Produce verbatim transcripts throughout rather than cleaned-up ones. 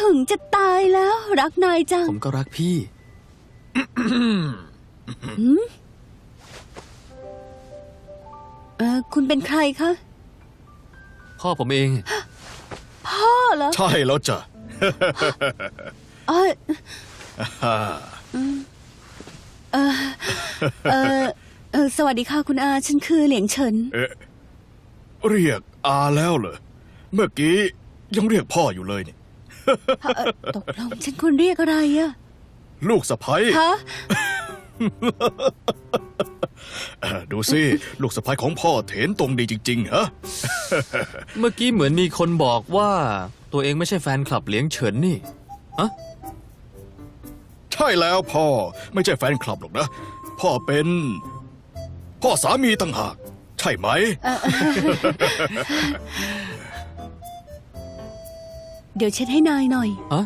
ถึงจะตายแล้วรักนายจังผมก็รักพี่เออคุณเป็นใครคะพ่อผมเองพ่อเหรอใช่แล้วจ้ะเออเออเออเออสวัสดีค่ะคุณอาฉันคือเหลียงเฉินเอ๊ะเรียกอาแล้วเหรอเมื่อกี้ยังเรียกพ่ออยู่เลยนี่เอ่อตกลงฉันควรเรียกอะไรอะลูกสะใภ้คะเอ่อดูสิลูกสะใภ้ของพ่อเถนตรงดีจริงๆฮะเมื่อกี้เหมือนมีคนบอกว่า ตัวเองไม่ใช่แฟนคลับเหลียงเฉินนี่อะใช่แล้วพ่อไม่ใช่แฟนคลับหรอกนะ พ่อเป็น พ่อสามีต่างหากใช่ไหมเดี๋ยวเช็ดให้นายหน่อยอะ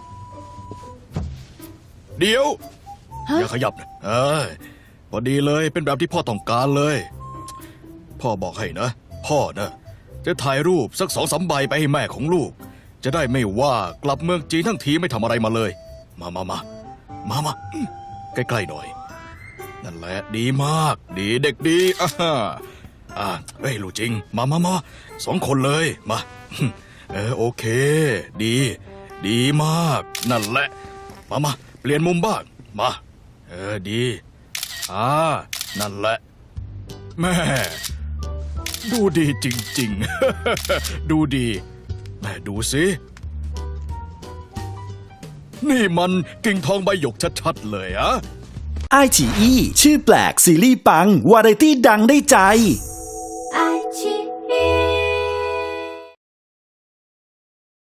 เดี๋ยวฮะอย่าขยับนะเอ้ยพอดีเลยเป็นแบบที่พ่อต้องการเลย พ่อบอกให้นะ พ่อนะจะถ่ายรูปสักสองสามใบไปให้แม่ของลูก จะได้ไม่ว่ากลับเมืองจีนทั้งทีไม่ทำอะไรมาเลย มามามามามาอืมใกล้ๆหน่อย นั่นแหละดีมาก ดีเด็กดีอ่าฮ่าอ่าเฮ้ยลูกจริง มามามาสองคนเลยมาเออโอเค ดี ดีมาก นั่นแหละ มามาเปลี่ยนมุมบ้างมา เออดีอ่านั่นแหละ แม่ ดูดีจริงๆ ดูดี แม่ดูสิ นี่มันกิ่งทองใบหยกชัดๆเลยอะไอ ที อี ชื่อแปลกซีรีส์ปัง วาไรตี้ดังได้ใจ